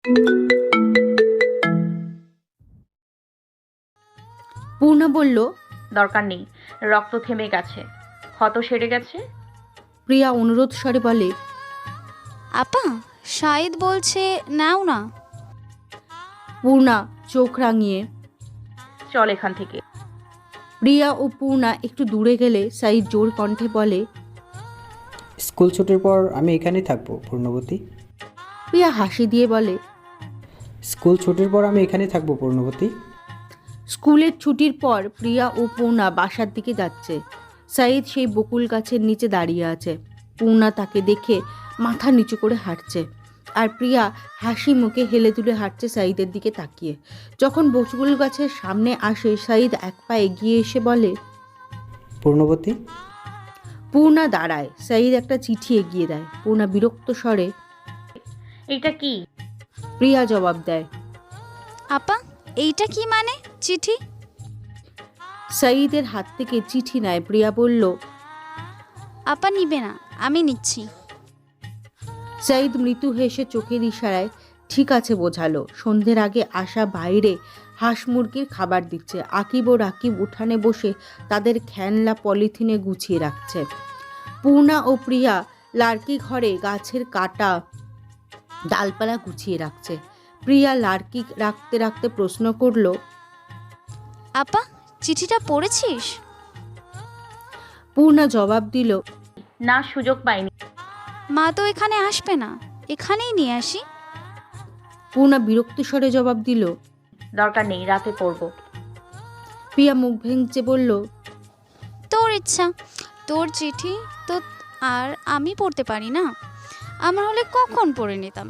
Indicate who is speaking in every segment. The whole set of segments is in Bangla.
Speaker 1: পূর্ণা বলল,
Speaker 2: দরকার নেই, রক্ত থেমে গেছে, ক্ষত সেরে গেছে।
Speaker 1: প্রিয়া অনুরোধ স্বরে বলে,
Speaker 3: আপা, শাহিদ বলছে নাও না।
Speaker 1: পূর্ণা চোখ রাঙিয়ে।
Speaker 2: চল এখান থেকে।
Speaker 1: প্রিয়া ও পূর্ণা একটু দূরে গেলে সাইদ জোর কণ্ঠে বলে,
Speaker 4: স্কুল ছুটির পর আমি এখানেই থাকবো পূর্ণবতী।
Speaker 1: প্রিয়া হাসি দিয়ে বলে,
Speaker 4: স্কুল ছুটির পর আমি এখানেই থাকবো পূর্ণবতী।
Speaker 1: স্কুলের ছুটির পর প্রিয়া ও পূর্ণা বাসার দিকে যাচ্ছে। সাইদ সেই বকুল গাছের নিচে দাঁড়িয়ে আছে। পূর্ণা তাকে দেখে মাথা নিচু করে হাঁটছে, আর প্রিয়া হাসি মুখে হেলে তুলে হাঁটছে সাইদের দিকে তাকিয়ে। যখন বকুল গাছের সামনে আসে, সাইদ এক পা এগিয়ে এসে বলে,
Speaker 4: পূর্ণবতী।
Speaker 1: পূর্ণা দাঁড়ায়। সাইদ একটা চিঠি এগিয়ে দেয়। পূর্ণা বিরক্ত স্বরে,
Speaker 2: এইটা কি?
Speaker 1: প্রিয়া জবাব দেয়,
Speaker 3: আপা, এইটা কি মানে? চিঠি?
Speaker 1: সাইদের হাত থেকে চিঠি নেয়। প্রিয়া বলল,
Speaker 3: আপা নিবে না, আমি নিচ্ছি।
Speaker 1: সাইদ মৃদু হেসে চোখের ইশারায় ঠিক আছে বোঝালো। সন্ধ্যের আগে আসা বাইরে হাঁস মুরগির খাবার দিচ্ছে। আকিব ও রাকিব উঠানে বসে তাদের খেলনা পলিথিনে গুছিয়ে রাখছে। পূর্ণা ও প্রিয়া লার্কি ঘরে গাছের কাটা ডালপালা গুছিয়ে রাখছে। প্রিয়া লার্কি রাখতে রাখতে প্রশ্ন করল,
Speaker 3: আপা, চিঠিটা পড়েছিস?
Speaker 1: পূর্ণা জবাব দিল,
Speaker 2: না, সুযোগ পাইনি।
Speaker 3: মা তো এখানে আসবে না, এখানেই নিয়ে আসি।
Speaker 1: পূর্ণা বিরক্ত স্বরে জবাব দিল।
Speaker 2: দরকার নেই, রাতে পড়বো।
Speaker 1: প্রিয়া মুখ ভেঙচে বলল,
Speaker 3: তোর ইচ্ছা, তোর চিঠি তো আর আমি পড়তে পারি না। আমার হলে কখন পড়ে নিতাম।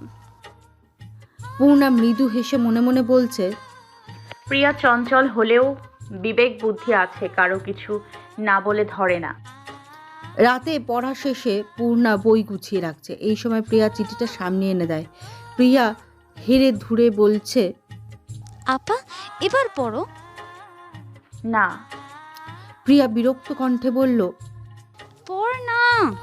Speaker 1: পূর্ণা মৃদু হেসে মনে মনে বলছে,
Speaker 2: প্রিয়া চঞ্চল হলেও বিবেক বুদ্ধি আছে, কারো কিছু না বলে ধরে না।
Speaker 1: রাতে পড়া শেষে পূর্ণা বই গুছিয়ে রাখছে। এই সময় প্রিয়া চিঠিটা সামনে এনে দেয়। প্রিয়া হেরে ধুরে বলছে,
Speaker 3: আপা, এবার পড়ো।
Speaker 2: না।
Speaker 1: প্রিয়া বিরক্ত কণ্ঠে বলল।
Speaker 3: পড় না।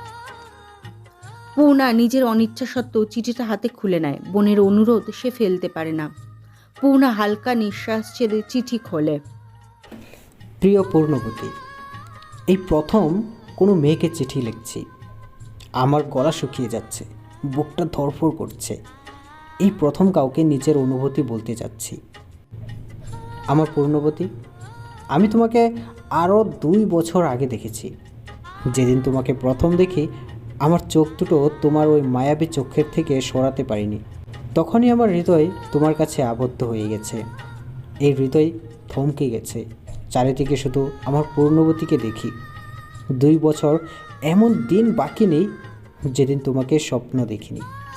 Speaker 1: পূর্ণা নিজের অনিচ্ছা সত্ত্বেও চিঠিটা হাতে খুলে নেয়। বোনের অনুরোধ সে ফেলতে পারে না। পূর্ণা হালকা নিঃশ্বাস ছেড়ে চিঠি খোলে।
Speaker 4: প্রিয় পূর্ণবতী, এই প্রথম কোনো মেয়েকে চিঠি লিখছি। আমার গলা শুকিয়ে যাচ্ছে, বুকটা ধড়ফড় করছে। এই প্রথম কাউকে নিজের অনুভূতি বলতে যাচ্ছি। আমার পূর্ণবতী, আমি তোমাকে আরও 2 বছর আগে দেখেছি। যেদিন তোমাকে প্রথম দেখি, আমার চোখ দুটো তোমার ওই মায়াবী চোখের থেকে সরাতে পারিনি। তখনই আমার হৃদয় তোমার কাছে আবদ্ধ হয়ে গেছে। এই হৃদয় থমকে গেছে। চারিদিকে শুধু আমার পূর্ণবতীকে দেখি। 2 বছর এমন দিন বাকি নেই যেদিন তোমাকে স্বপ্ন দেখিনি।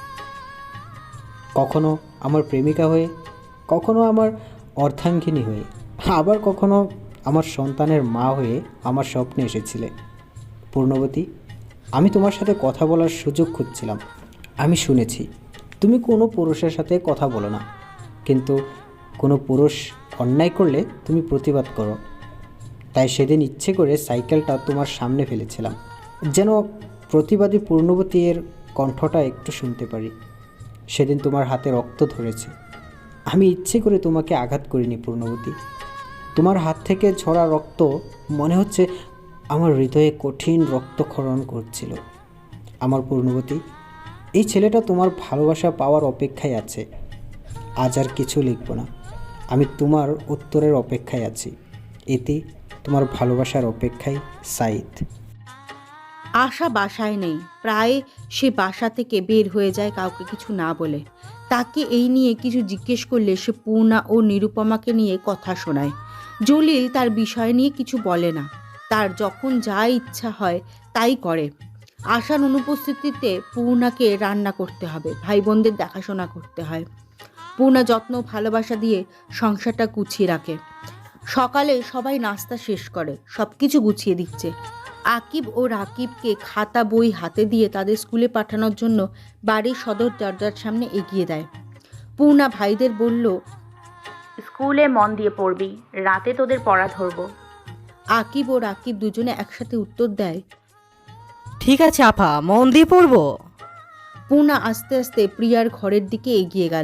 Speaker 4: কখনো আমার প্রেমিকা হয়ে, কখনো আমার অর্ধাঙ্গিনী হয়ে, আবার কখনো আমার সন্তানের মা হয়ে আমার স্বপ্নে এসেছিলে। পূর্ণবতী, আমি তোমার সাথে কথা বলার সুযোগ খুঁজছিলাম। আমি শুনেছি তুমি কোনো পুরুষের সাথে কথা বলো না, কিন্তু কোনো পুরুষ অন্যায় করলে তুমি প্রতিবাদ করো। তাই সেদিন ইচ্ছে করে সাইকেলটা তোমার সামনে ফেলেছিলাম, যেন প্রতিবাদী পূর্ণবতীর কণ্ঠটা একটু শুনতে পারি। সেদিন তোমার হাতে রক্ত ধরেছে। আমি ইচ্ছে করে তোমাকে আঘাত করিনি পূর্ণবতী। তোমার হাত থেকে ঝরা রক্ত মনে হচ্ছে আমার হৃদয়ে কঠিন রক্তক্ষরণ করছিল। আমার পূর্ণবতী, এই ছেলেটা তোমার ভালোবাসা পাওয়ার অপেক্ষায় আছে। আজ আর কিছু লিখব না, আমি তোমার উত্তরের অপেক্ষায় আছি। এতে তোমার ভালোবাসার অপেক্ষায়, সাইদ।
Speaker 1: আশা বাসায় নেই। প্রায় সে বাসা থেকে বের হয়ে যায় কাউকে কিছু না বলে। তাকে এই নিয়ে কিছু জিজ্ঞেস করলে সে পূর্ণা ও নিরুপমাকে নিয়ে কথা শোনায়। জলিল তার বিষয় নিয়ে কিছু বলে না। তার যখন যা ইচ্ছা হয় তাই করে। আশার অনুপস্থিতিতে পূর্ণাকে রান্না করতে হবে, ভাই বোনদের দেখাশোনা করতে হয়। পূর্ণা যত্ন ভালোবাসা দিয়ে সংসারটা গুছিয়ে রাখে। সকালে সবাই নাস্তা শেষ করে, সব কিছু গুছিয়ে দিচ্ছে। আকিব ও রাকিবকে খাতা বই হাতে দিয়ে তাদের স্কুলে পাঠানোর জন্য বাড়ির সদর দরজার সামনে এগিয়ে দেয়। পূর্ণা ভাইদের বলল,
Speaker 2: স্কুলে মন দিয়ে পড়বি, রাতে তোদের পড়া ধরবো।
Speaker 1: আকিব ও রাকিব দুজনে একসাথে উত্তর দেয়,
Speaker 5: ঠিক আছে আপা, মন দিয়ে পড়বো।
Speaker 1: পূর্ণা আস্তে আস্তে প্রিয়ার ঘরের দিকে এগিয়ে গেল।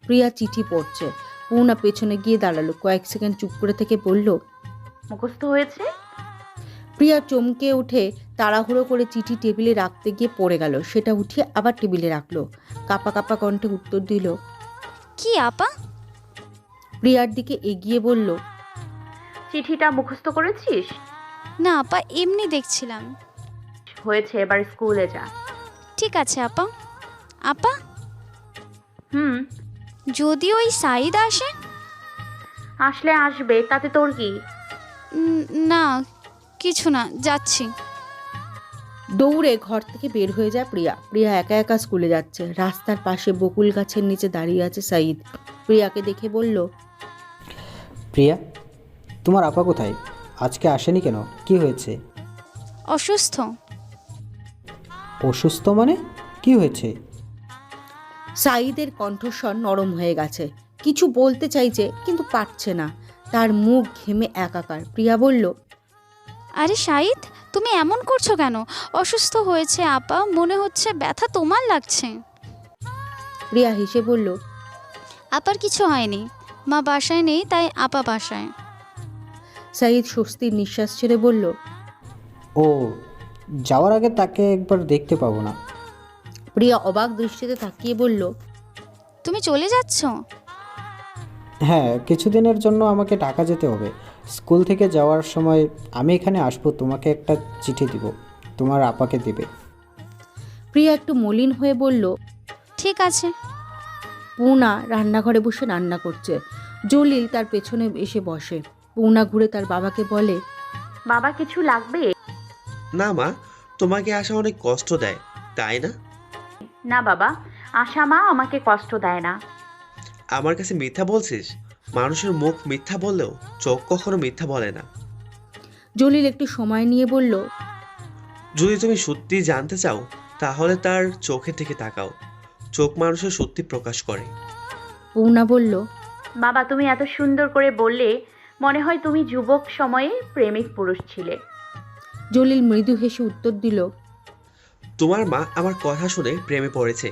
Speaker 1: প্রিয়া চিঠি পড়ছে। পূর্ণা পেছনে গিয়ে দাঁড়ালো, কয়েক সেকেন্ড চুপ করে থেকে বলল,
Speaker 2: মুখস্থ হয়েছে?
Speaker 1: প্রিয়া চমকে উঠে তাড়াহুড়ো করে চিঠি টেবিলে রাখতে গিয়ে পড়ে গেল। সেটা উঠিয়ে আবার টেবিলে রাখলো। কাপা কাপা কণ্ঠে উত্তর দিল।
Speaker 3: কি আপা?
Speaker 1: প্রিয়ার দিকে এগিয়ে বলল,
Speaker 2: চিঠিটা মুখস্থ করেছিস?
Speaker 3: না আপা, এমনি দেখছিলাম।
Speaker 2: হয়েছে, এবার স্কুলে যা।
Speaker 3: ঠিক আছে আপা। আপা,
Speaker 2: হুম,
Speaker 3: যদি ওই সাইদ আসে?
Speaker 2: আসলে আসবে, তাতে তোর কি?
Speaker 3: না কিছু না, যাচ্ছি।
Speaker 1: দৌড়ে ঘর থেকে বের হয়ে যায় প্রিয়া। প্রিয়া একা একা স্কুলে যাচ্ছে। রাস্তার পাশে বকুল গাছের নিচে দাঁড়িয়ে আছে সাইদ। প্রিয়াকে দেখে বলল,
Speaker 4: প্রিয়া, তোমার আপা কোথায়? আজকে আসেনি কেন? কি হয়েছে?
Speaker 3: অসুস্থ।
Speaker 4: অসুস্থ মানে? কি হয়েছে?
Speaker 1: সাইদের কণ্ঠস্বর নরম হয়ে গেছে। কিছু বলতে চাইছে কিন্তু পারছে না। তার মুখ ঘেমে একাকার। প্রিয়া বলল,
Speaker 3: আরে সাইদ, তুমি এমন করছো কেন? অসুস্থ হয়েছে আপা, মনে হচ্ছে ব্যথা তোমার লাগছে।
Speaker 1: প্রিয়া হেসে বলল,
Speaker 3: আপার কিছু হয়নি, মা বাসায় নেই তাই আপা বাসায়।
Speaker 1: সাইদ স্বস্তির নিঃশ্বাস ছেড়ে বলল,
Speaker 4: ও, যাওয়ার আগে তাকে একবার দেখতে পাবো না?
Speaker 1: প্রিয়া অবাক দৃষ্টিতে তাকিয়ে বলল,
Speaker 3: তুমি চলে যাচ্ছ?
Speaker 4: হ্যাঁ, কিছুদিনের জন্য আমাকে ঢাকা যেতে হবে। স্কুল থেকে যাওয়ার সময় আমি এখানে আসবো, তোমাকে একটা চিঠি দিব, তোমার আপাকে দিবে।
Speaker 1: প্রিয়া একটু মলিন হয়ে বলল।
Speaker 3: ঠিক আছে।
Speaker 1: পূর্ণা রান্নাঘরে বসে রান্না করছে। জলিল তার পেছনে এসে বসে। পূর্ণা ঘুরে তার বাবাকে বলে,
Speaker 2: বাবা কিছু লাগবে?
Speaker 6: না মা, তোমাকে আসা অনেক কষ্ট দেয়, তাই না?
Speaker 2: না বাবা, আশা মা আমাকে কষ্ট দেয় না।
Speaker 6: আমার কাছে মিথ্যা বলছিস? মানুষের মুখ মিথ্যা বললেও চোখ কখনো মিথ্যা বলে না।
Speaker 1: জলিল একটু সময় নিয়ে বলল,
Speaker 6: যদি তুমি সত্যি জানতে চাও তাহলে তার চোখের দিকে তাকাও। চোখ মানুষের সত্যি প্রকাশ করে।
Speaker 1: পূর্ণা বলল,
Speaker 2: বাবা তুমি এত সুন্দর করে বললে, মনে হয় তুমি যুবক সময়ে প্রেমিক পুরুষ ছিলে।
Speaker 1: জলিল মৃদু হেসে উত্তর দিল।
Speaker 6: তোমার মা আমার কথা শুনে প্রেমে পড়েছে।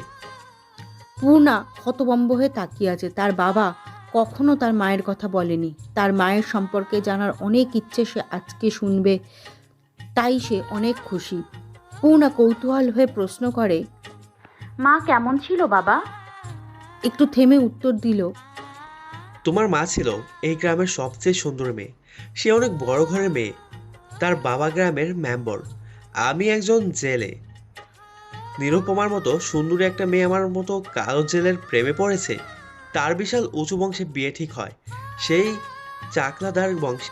Speaker 1: পূর্ণা হতভম্ব হয়ে তাকিয়ে আছে। তার বাবা কখনো তার মায়ের কথা বলেনি। তার মায়ের সম্পর্কে জানার অনেক ইচ্ছে সে আজকে শুনবে, তাই সে অনেক খুশি। পূর্ণা কৌতূহল হয়ে প্রশ্ন করে,
Speaker 2: মা কেমন ছিল বাবা?
Speaker 1: একটু থেমে উত্তর দিল,
Speaker 6: তোমার মা ছিল এই গ্রামের সবচেয়ে সুন্দর মেয়ে। সে অনেক বড় ঘরের মেয়ে। তার বাবা গ্রামের মেম্বার, আমি একজন জেলে। নিরুপমার মতো সুন্দরী একটা মেয়ে আমার মতো কালো জেলের প্রেমে পড়েছে। তার বিশাল উঁচু বংশে বিয়ে ঠিক হয়, সেই চাকলাদার বংশে।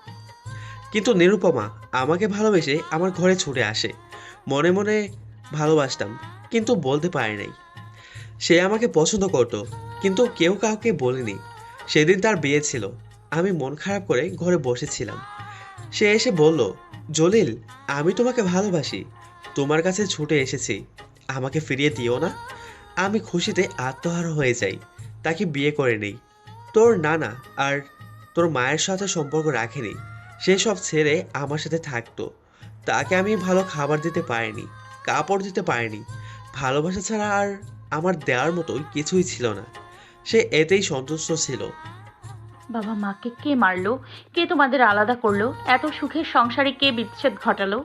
Speaker 6: কিন্তু নিরুপমা আমাকে ভালোবেসে আমার ঘরে ছুটে আসে। মনে মনে ভালোবাসতাম, কিন্তু বলতে পারি নাই। সে আমাকে পছন্দ করতো, কিন্তু কেউ কাউকে বলেনি। সেদিন তার বিয়ে ছিল। আমি মন খারাপ করে ঘরে বসেছিলাম। সে এসে বলল, জলিল, আমি তোমাকে ভালোবাসি, তোমার কাছে ছুটে এসেছি, আমাকে ফিরিয়ে দিও না। আমি খুশিতে আত্মহারা হয়ে যাই। তাকে বিয়ে করে নেই। তোর নানা আর তোর মায়ের সাথে সম্পর্ক রাখেনি। সে সব ছেড়ে আমার সাথে থাকতো। তাকে আমি ভালো খাবার দিতে পারিনি, কাপড় দিতে পারিনি। ভালোবাসা ছাড়া আর আমার দেওয়ার মতোই কিছুই ছিল না। সে এতেই সন্তুষ্ট ছিল।
Speaker 2: বাবা মাকে কে মারলো? কে তোমাদের আলাদা করলো? এত সুখের সংসারে কে বিচ্ছেদ ঘটালো?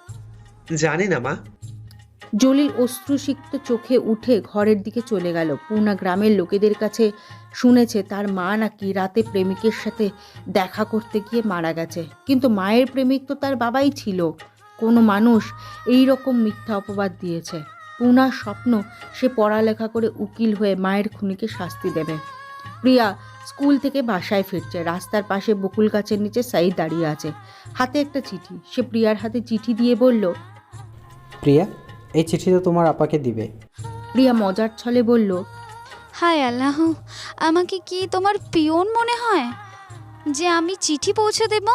Speaker 6: জানি না মা।
Speaker 1: জলিল অশ্রুসিক্ত চোখে উঠে ঘরের দিকে চলে গেল। পূর্ণা গ্রামের লোকেদের কাছে শুনেছে তার মা নাকি রাতে প্রেমিকের সাথে দেখা করতে গিয়ে মারা গেছে। কিন্তু মায়ের প্রেমিক তো তার বাবাই ছিল। কোনো মানুষ এই রকম মিথ্যা অপবাদ দিয়েছে। পূর্ণার স্বপ্ন সে পড়ালেখা করে উকিল হয়ে মায়ের খুনিকে শাস্তি দেবে। প্রিয়া স্কুল থেকে বাসায় ফিরছে। রাস্তার পাশে বকুল গাছের নিচে সাইদ দাঁড়িয়ে আছে, হাতে একটা চিঠি। সে প্রিয়ার হাতে চিঠি দিয়ে বলল,
Speaker 4: প্রিয়া, এই চিঠিটা তোমার আপাকে দিবে।
Speaker 1: প্রিয়া মজার ছলে বলল,
Speaker 3: হায় আল্লাহ, আমাকে কি তোমার পিয়ন মনে হয় যে আমি চিঠি পৌঁছে দেব?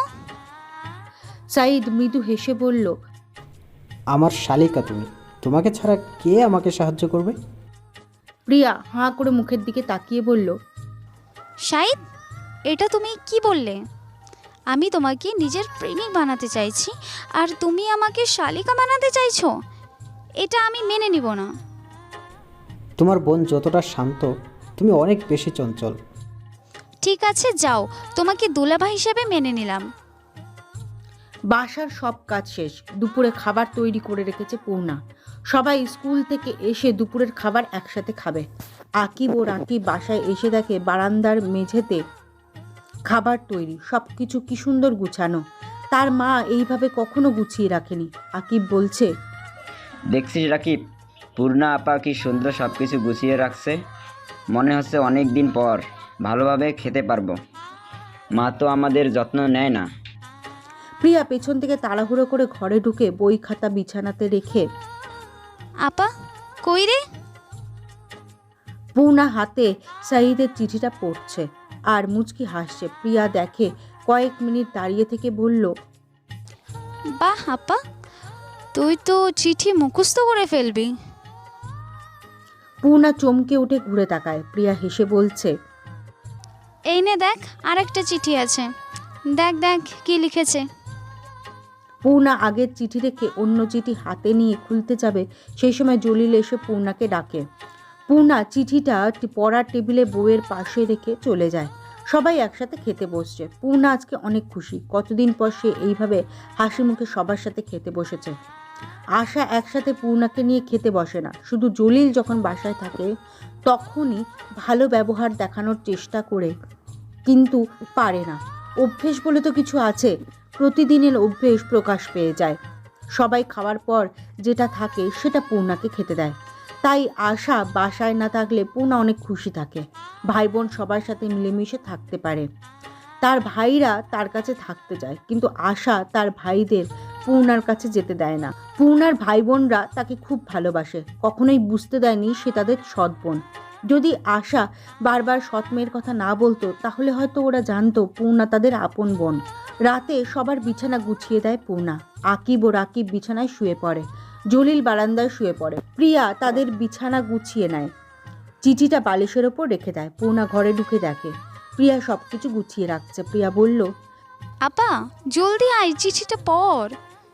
Speaker 1: সাইদ মৃদু হেসে বলল,
Speaker 4: আমার শালিকা তুমি, তোমাকে ছাড়া কে আমাকে সাহায্য করবে?
Speaker 1: প্রিয়া হাঁ করে মুখের দিকে তাকিয়ে বলল,
Speaker 3: শাহিদ, এটা তুমি কি বললে? আমি তোমাকে নিজের প্রেমিক বানাতে চাইছি আর তুমি আমাকে শালিকা বানাতে চাইছো? এটা আমি মেনে নিব না।
Speaker 4: তোমার বোন যতটা শান্ত তুমি তুমি অনেক বেশি চঞ্চল।
Speaker 3: ঠিক আছে যাও, তোমাকে দুলাভাই হিসেবে মেনে নিলাম।
Speaker 1: বাসার সব কাজ শেষ। দুপুরে খাবার তৈরি করে রেখেছে পূর্ণা। সবাই স্কুল থেকে এসে দুপুরের খাবার একসাথে খাবে। আকিব ও রাকিব বাসায় এসে দেখে বারান্দার মেঝেতে খাবার তৈরি, সব কিছু কি সুন্দর গুছানো। তার মা এইভাবে কখনো গুছিয়ে রাখেনি। আকিব বলছে,
Speaker 7: দেখছিস রাকিব, পূর্ণা আপা কি সুন্দর সব কিছু গুছিয়ে রাখছে। মনে হচ্ছে অনেক দিন পর ভালোভাবে খেতে পারবো। মা তো আমাদের যত্ন নেয় না।
Speaker 1: প্রিয়া পেছন থেকে তাড়াহুড়ো করে ঘরে ঢুকে বই খাতা বিছানাতে রেখে
Speaker 3: আপা কই রে?
Speaker 1: পূর্ণা হাতে সাঈদের চিঠিটা পড়ছে আর মুচকি হাসছে। প্রিয়া দেখে, কয়েক মিনিট দাঁড়িয়ে থেকে বলল,
Speaker 3: বাহ আপা, তুই তো চিঠি মুখস্থ করে ফেলবি।
Speaker 1: পূর্ণা চমকে উঠে ঘুরে তাকায়। প্রিয়া হেসে বলছে,
Speaker 3: এই নে দেখ, আরেকটা চিঠি আছে, দেখ দেখ কি লিখেছে।
Speaker 1: পূর্ণা আগের চিঠি রেখে অন্য চিঠি হাতে নিয়ে খুলতে যাবে, সেই সময় জলিল এসে পূর্ণাকে ডাকে। পূর্ণা চিঠিটা পড়ার টেবিলে বইয়ের পাশে রেখে চলে যায়। সবাই একসাথে খেতে বসছে। পূর্ণা আজকে অনেক খুশি। কতদিন পর সে এইভাবে হাসি মুখে সবার সাথে খেতে বসেছে। আশা একসাথে পূর্ণাকে নিয়ে খেতে বসে না, শুধু জলিল যখন বাসায় থাকে তখনই ভালো ব্যবহার দেখানোর চেষ্টা করে, কিন্তু পারে না। অভ্যেস বলে তো কিছু আছে, প্রতিদিনের অভ্যেস প্রকাশ পেয়ে যায়। সবাই খাওয়ার পর যেটা থাকে সেটা পূর্ণাকে খেতে দেয়। তাই আশা বাসায় না থাকলে পূর্ণা অনেক খুশি থাকে। ভাই বোন সবার সাথে মিলেমিশে থাকতে পারে। তার ভাইরা তার কাছে থাকতে চায়, কিন্তু আশা তার ভাইদের পূর্ণার কাছে যেতে দেয় না। পূর্ণার ভাই বোনরা তাকে খুব ভালোবাসে, কখনোই বুঝতে দেয়নি সে তাদের সৎ বোন। যদি আশা বারবার সৎ মেয়ের কথা না বলতো তাহলে হয়তো ওরা জানতো পূর্ণা তাদের আপন বোন। রাতে সবার বিছানা গুছিয়ে দেয় পূর্ণা। আকিব ও রাকিব বিছানায় শুয়ে পড়ে, জলিল বারান্দায় শুয়ে পড়ে। প্রিয়া তাদের বিছানা গুছিয়ে নেয়, চিঠিটা বালিশের ওপর রেখে দেয়। পূর্ণা ঘরে ঢুকে দেখে প্রিয়া সব কিছু গুছিয়ে রাখছে। প্রিয়া বলল,
Speaker 3: আপা জলদি আয়, চিঠিটা পড়।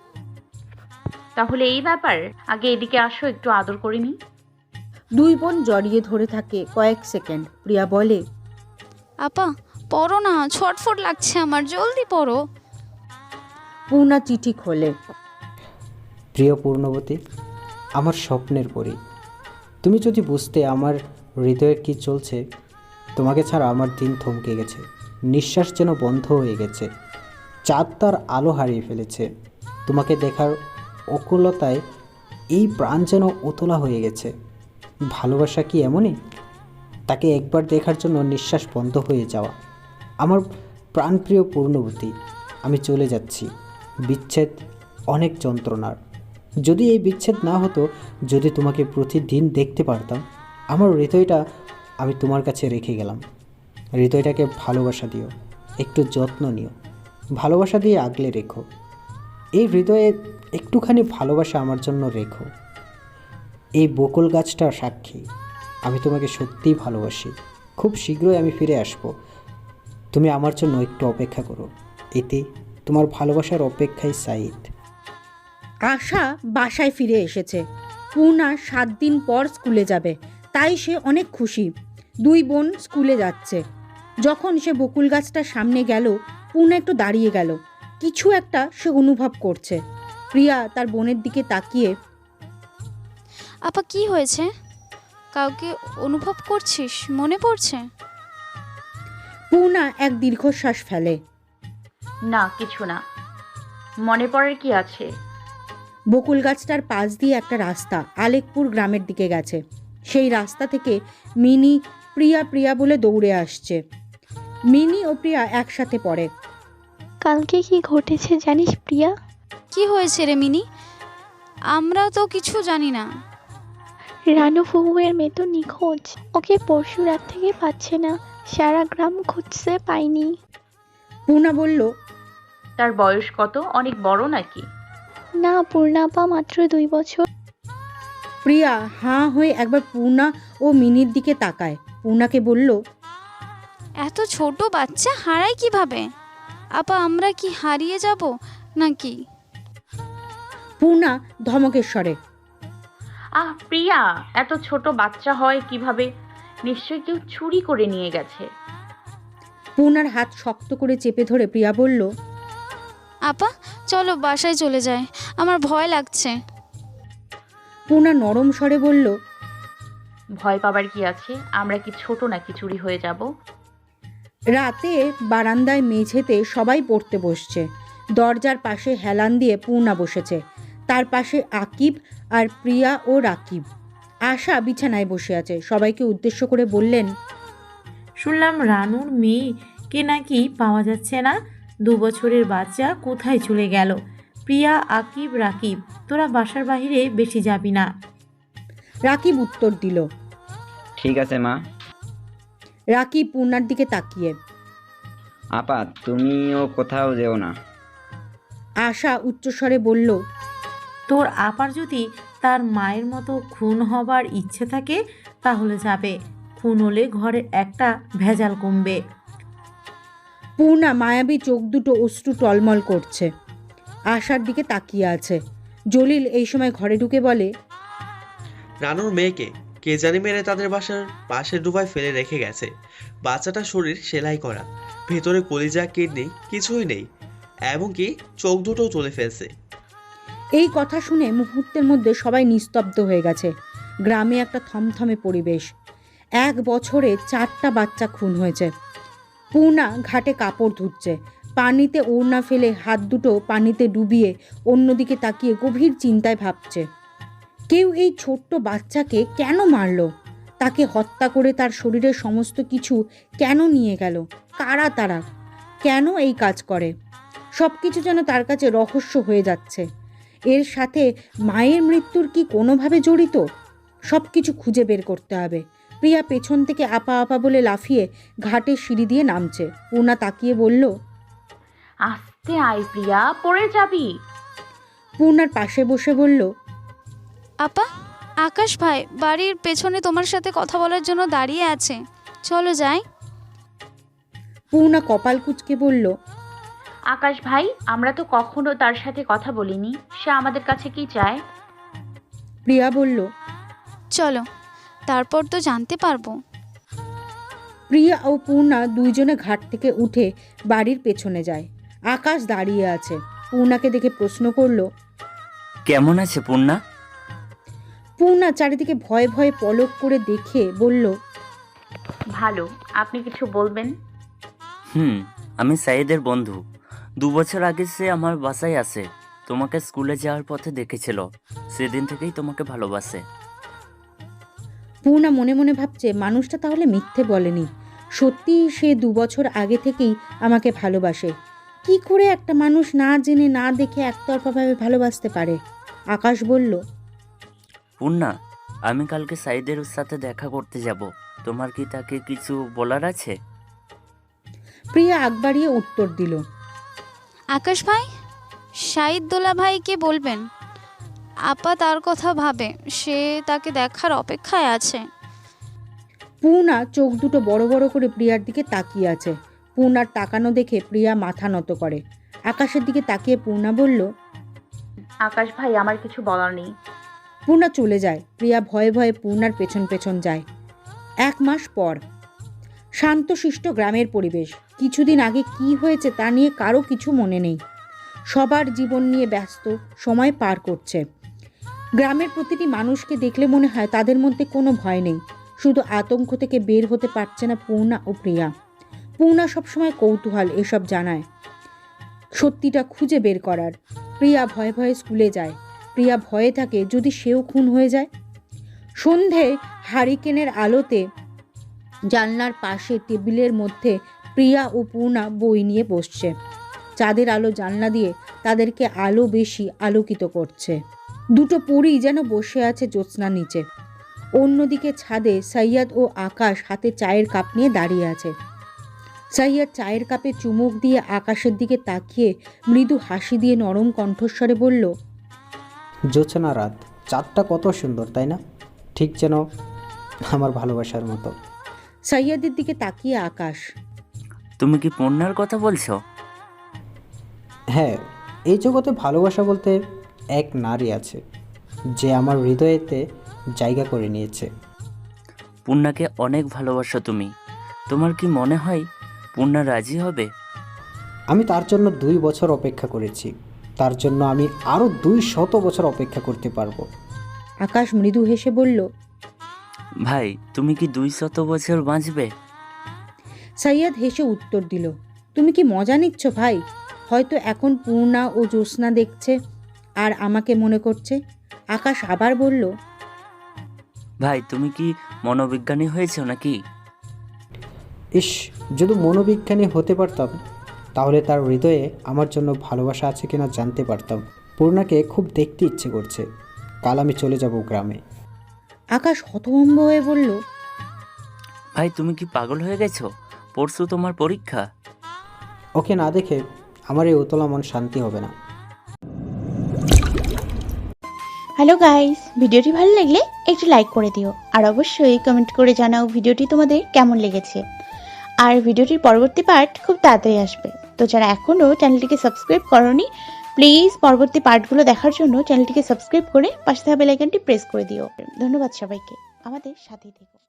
Speaker 2: তাহলে এই ব্যাপার, আগে এদিকে আসো, একটু আদর করে নি।
Speaker 1: দুই বোন জড়িয়ে ধরে থাকে কয়েক সেকেন্ড। প্রিয়া বলে,
Speaker 3: আপা পড়ো না, ছটফট লাগছে আমার, জলদি পড়ো।
Speaker 1: পূর্ণা চিঠি খোলে।
Speaker 4: প্রিয় পূর্ণবতী, আমার স্বপ্নের পরী, তুমি যদি বুঝতে আমার হৃদয়ে কী চলছে। তোমাকে ছাড়া আমার দিন থমকে গেছে, নিঃশ্বাস যেন বন্ধ হয়ে গেছে, চাঁদ তার আলো হারিয়ে ফেলেছে। তোমাকে দেখার অকুলতায় এই প্রাণ যেন উতলা হয়ে গেছে। ভালোবাসা কি এমনই, তাকে একবার দেখার জন্য নিঃশ্বাস বন্ধ হয়ে যাওয়া। আমার প্রাণপ্রিয় পূর্ণবতী, আমি চলে যাচ্ছি। বিচ্ছেদ অনেক যন্ত্রণার। যদি এই বিচ্ছেদ না হতো, যদি তোমাকে প্রতিদিন দেখতে পারতাম, আমার হৃদয়টা আমি তোমার কাছে রেখে গেলাম। হৃদয়টাকে ভালোবাসা দিও, একটু যত্ন নিও, ভালোবাসা দিয়ে আগলে রেখো। এই হৃদয়ে একটুখানি ভালোবাসা আমার জন্য রেখো। এই বকুল গাছটা সাক্ষী, আমি তোমাকে সত্যিই ভালোবাসি। খুব শীঘ্রই আমি ফিরে আসব, তুমি আমার জন্য একটু অপেক্ষা করো। এতে তোমার ভালোবাসার অপেক্ষায় সাঈদ।
Speaker 1: আশা বাসায় ফিরে এসেছে। পূর্ণা 7 দিন পর স্কুলে যাবে, তাই সে অনেক খুশি। দুই বোন স্কুলে যাচ্ছে। যখন সে বকুল গাছটার সামনে গেল, পূর্ণা একটু দাঁড়িয়ে গেল। কিছু একটা সে অনুভব করছে। প্রিয়া তার বোনের দিকে তাকিয়ে,
Speaker 3: আপা কি হয়েছে? কাউকে অনুভব করছিস? মনে পড়ছে?
Speaker 1: পূর্ণা এক দীর্ঘশ্বাস ফেলে।
Speaker 2: না, কিছু না, মনে পড়ার কি আছে।
Speaker 1: বকুল গাছটার পাশ দিয়ে একটা রাস্তা আলেকপুর গ্রামের দিকে গেছে। সেই রাস্তা থেকে মিনি প্রিয়া প্রিয়া বলে দৌড়ে আসছে। মিনি ও প্রিয়া একসাথে পড়ে।
Speaker 8: কালকে কি ঘটেছে জানিস প্রিয়া?
Speaker 3: কি হয়েছে রে মিনি? আমরা তো কিছু জানি না।
Speaker 8: রানু ফুহুয়ের মেয়ে তো নিখোঁজ। ওকে পরশু রাত থেকে পাচ্ছে না, সারা গ্রাম খুঁজছে, পাইনি।
Speaker 1: পূর্ণা বলল,
Speaker 2: তার বয়স কত? অনেক বড় নাকি?
Speaker 8: না, পূর্ণাপা মাত্র 2 বছর।
Speaker 1: প্রিয়া হাঁ হয়ে একবার পূর্ণা ও মিনির দিকে তাকায়। পূর্ণাকে বলল,
Speaker 3: এত ছোট বাচ্চা হারায় কিভাবে? আপা আমরা কি হারিয়ে যাব নাকি?
Speaker 1: পূর্ণা ধমকের স্বরে,
Speaker 2: প্রিয়া, এত ছোট বাচ্চা হয় কিভাবে? নিশ্চয়ই কেউ চুরি করে নিয়ে গেছে।
Speaker 1: পূর্ণার হাত শক্ত করে চেপে ধরে প্রিয়া বলল,
Speaker 3: আপা চলো বাসায় চলে যায়, আমার ভয় লাগছে।
Speaker 1: পূর্ণা নরম স্বরে বলল,
Speaker 2: ভয় পাবার কি আছে? আমরা কি ছোট নাকি চুরি হয়ে যাব?
Speaker 1: রাতে বারান্দায় মেঝেতে সবাই পড়তে বসছে। দরজার পাশে হেলান দিয়ে পূর্ণা বসেছে, তার পাশে আকিব আর প্রিয়া ও রাকিব। আশা বিছানায় বসে আছে। সবাইকে উদ্দেশ্য করে বললেন,
Speaker 9: শুনলাম রানুর মেয়েকে নাকি পাওয়া যাচ্ছে না। 2 বছরের বাচ্চা কোথায় চলে গেল? প্রিয়া, আকিব, রাকিব, তোরা বাসার বাইরে বেশি যাবি না।
Speaker 1: রাকিব উত্তর দিল।
Speaker 7: ঠিক আছে মা।
Speaker 1: রাকিব পূর্ণার দিকে তাকিয়ে,
Speaker 7: আপা তুমিও কোথাও যেও না।
Speaker 1: আশা উচ্চস্বরে বলল,
Speaker 9: তোর আপার যদি তার মায়ের মতো খুন হবার ইচ্ছে থাকে তাহলে যাবে। খুন হলে ঘরের একটা ভেজাল কমবে।
Speaker 1: পূর্ণা মায়াবী চোখ দুটো অশ্রু টলমল করছে, আশার দিকে তাকিয়ে আছে। জলিল এই সময় ঘরে ঢুকে বলে,
Speaker 6: রানুর মেয়েকে কে জানি মেরে তাদের বাসার পাশে ডুবায় ফেলে রেখে গেছে। বাচ্চাটার শরীর সেলাই করা, ভেতরে কলিজা কিডনি কিছুই নেই, এমনকি চোখ দুটোও তুলে ফেলছে।
Speaker 1: এই কথা শুনে মুহূর্তের মধ্যে সবাই নিস্তব্ধ হয়ে গেছে। গ্রামে একটা থমথমে পরিবেশ। 1 বছরে 4টা বাচ্চা খুন হয়েছে। পূর্ণা ঘাটে কাপড় ধুচ্ছে, পানিতে ওড়না ফেলে হাত দুটো পানিতে ডুবিয়ে অন্যদিকে তাকিয়ে গভীর চিন্তায় ভাবছে। কেউ এই ছোট্ট বাচ্চাকে কেন মারল? তাকে হত্যা করে তার শরীরের সমস্ত কিছু কেন নিয়ে গেল? কারা তারা? কেন এই কাজ করে? সব কিছু যেন তার কাছে রহস্য হয়ে যাচ্ছে। এর সাথে মায়ের মৃত্যুর কি কোনোভাবে জড়িত? সব কিছু খুঁজে বের করতে হবে। প্রিয়া পেছন থেকে আপা আপা বলে লাফিয়ে ঘাটের সিঁড়ি দিয়ে নামছে। পূর্ণা তাকিয়ে বলল,
Speaker 2: আস্তে আয় প্রিয়া, পড়ে যাবি।
Speaker 1: পূর্ণার পাশে বসে বলল,
Speaker 3: আপা আকাশ ভাই বাড়ির পেছনে তোমার সাথে কথা বলার জন্য দাঁড়িয়ে আছে, চলো যাই।
Speaker 1: পূর্ণা কপাল কুঁচকে বলল,
Speaker 2: আকাশ ভাই, আমরা তো কখনো তার সাথে কথা বলিনি, সে আমাদের কাছে কি চায়?
Speaker 1: প্রিয়া বলল,
Speaker 3: চলো তারপর তো জানতে পারবো।
Speaker 1: প্রিয়া ও পূর্ণা দুইজনে ঘাট থেকে উঠে বাড়ির পেছনে যায়। আকাশ দাঁড়িয়ে আছে। পূর্ণাকে দেখে প্রশ্ন করল।
Speaker 10: কেমন আছে পূর্ণা?
Speaker 1: পূর্ণা চারিদিকে ভয়ে ভয়ে পলক করে দেখে বলল,
Speaker 2: ভালো। আপনি কিছু বলবেন?
Speaker 10: আমি সাইদের বন্ধু। 2 বছর আগে সে আমার বাসায় আসে, তোমাকে স্কুলে যাওয়ার পথে দেখেছিল, সেদিন থেকেই তোমাকে ভালোবাসে।
Speaker 1: পূর্ণা মনে মনে ভাবছে, মানুষটা তাহলে মিথ্যে বলেনি, সত্যি সে 2 বছর আগে থেকেই আমাকে ভালোবাসে। কি করে একটা মানুষ না জেনে না দেখে একতরফাভাবে ভালোবাসতে পারে? আকাশ বলল,
Speaker 10: পূর্ণা, আমি কালকে সাইদের সাথে দেখা করতে যাব, তোমার কি তাকে কিছু বলার আছে?
Speaker 1: প্রিয়া আগ বাড়িয়ে উত্তর দিল,
Speaker 3: আকাশ ভাই, শাহিদ দোলা ভাইকে বলবেন আপা তার কথা ভাবে, সে তাকে দেখার অপেক্ষায় আছে।
Speaker 1: পূর্ণা চোখ দুটো বড় বড় করে প্রিয়ার দিকে তাকিয়ে আছে। পূর্ণার তাকানো দেখে প্রিয়া মাথা নত করে। আকাশের দিকে তাকিয়ে পূর্ণা বলল,
Speaker 2: আকাশ ভাই, আমার কিছু বলার নেই।
Speaker 1: পূর্ণা চলে যায়। প্রিয়া ভয়ে ভয়ে পূর্ণার পেছন পেছন যায়। 1 মাস পর শান্তশিষ্ট গ্রামের পরিবেশ। কিছুদিন আগে কি হয়েছে তা নিয়ে কারো কিছু মনে নেই। সবার জীবন নিয়ে ব্যস্ত, সময় পার করছে। গ্রামের প্রতিটি মানুষকে দেখলে মনে হয় তাদের মধ্যে কোনো ভয় নেই। শুধু আতঙ্ক থেকে বের হতে পারছে না পূর্ণা ও প্রিয়া। পূর্ণা সবসময় কৌতূহল এসব জানায়, সত্যিটা খুঁজে বের করার। প্রিয়া ভয়ে ভয়ে স্কুলে যায়। প্রিয়া ভয়ে থাকে যদি সেও খুন হয়ে যায়। সন্ধে হারিকেনের আলোতে জানলার পাশে টেবিলের মধ্যে প্রিয়া ও পূর্ণা বই নিয়ে বসছে। চাঁদের আলো জানলা দিয়ে তাদেরকে আলো বেশি আলোকিত করছে। দুটো পরী যেন বসে আছে জ্যোৎস্নার নিচে। অন্যদিকে ছাদে সৈয়দ ও আকাশ হাতে চায়ের কাপ নিয়ে দাঁড়িয়ে আছে। সৈয়দ চায়ের কাপে চুমুক দিয়ে আকাশের দিকে তাকিয়ে মৃদু হাসি দিয়ে নরম কণ্ঠস্বরে বলল,
Speaker 4: জ্যোৎস্না রাত, চাঁদটা কত সুন্দর তাই না? ঠিক যেন আমার ভালোবাসার মতো।
Speaker 1: সৈয়দের দিকে তাকিয়ে আকাশ,
Speaker 10: তুমি কি পূর্ণার কথা বলছো?
Speaker 4: হ্যাঁ, এই জগতে ভালোবাসা বলতে এক নারী আছে যে আমার হৃদয়েতে জায়গা করে নিয়েছে।
Speaker 10: পূর্ণাকে অনেক ভালোবাসো তুমি। তোমার কি মনে হয় পূর্ণা রাজি হবে?
Speaker 4: আমি তার জন্য 2 বছর অপেক্ষা করেছি, তার জন্য আমি আরও 200 বছর অপেক্ষা করতে পারবো।
Speaker 1: আকাশ মৃদু হেসে বলল।
Speaker 10: ভাই তুমি কি 200 বছর বাঁচবে?
Speaker 1: সাইয়াদ হেসে উত্তর দিল, তুমি কি মজা নিচ্ছ ভাই? হয়তো এখন পূর্ণা ও জ্যোৎস্না দেখছে আর আমাকে মনে করছে। আকাশ আবার বলল,
Speaker 10: ভাই তুমি কি মনোবিজ্ঞানী হয়েছো নাকি?
Speaker 4: ইস, যদি মনোবিজ্ঞানী হতে পারতাম তাহলে তার হৃদয়ে আমার জন্য ভালোবাসা আছে কিনা জানতে পারতাম। পূর্ণাকে খুব দেখতে ইচ্ছে করছে। কাল আমি চলে যাব গ্রামে।
Speaker 1: আকাশ হতভম্ব হয়ে বলল,
Speaker 10: ভাই তুমি কি পাগল হয়ে গেছো? পরশু তোমার পরীক্ষা।
Speaker 4: ওকে না দেখে আমার এই উতলা মন শান্তি হবে না।
Speaker 11: হ্যালো গাইস, ভিডিওটি ভালো লাগলে একটু লাইক করে দিও আর অবশ্যই কমেন্ট করে জানাও ভিডিওটি তোমাদের কেমন লেগেছে। আর ভিডিওটির পরবর্তী পার্ট খুব তাড়াতাড়ি আসবে, তো যারা এখনও চ্যানেলটিকে সাবস্ক্রাইব করোনি প্লিজ পরবর্তী পার্টগুলো দেখার জন্য চ্যানেলটিকে সাবস্ক্রাইব করে পাশে থাকা বেল আইকনটি প্রেস করে দিও। ধন্যবাদ সবাইকে, আমাদের সাথেই থেকো।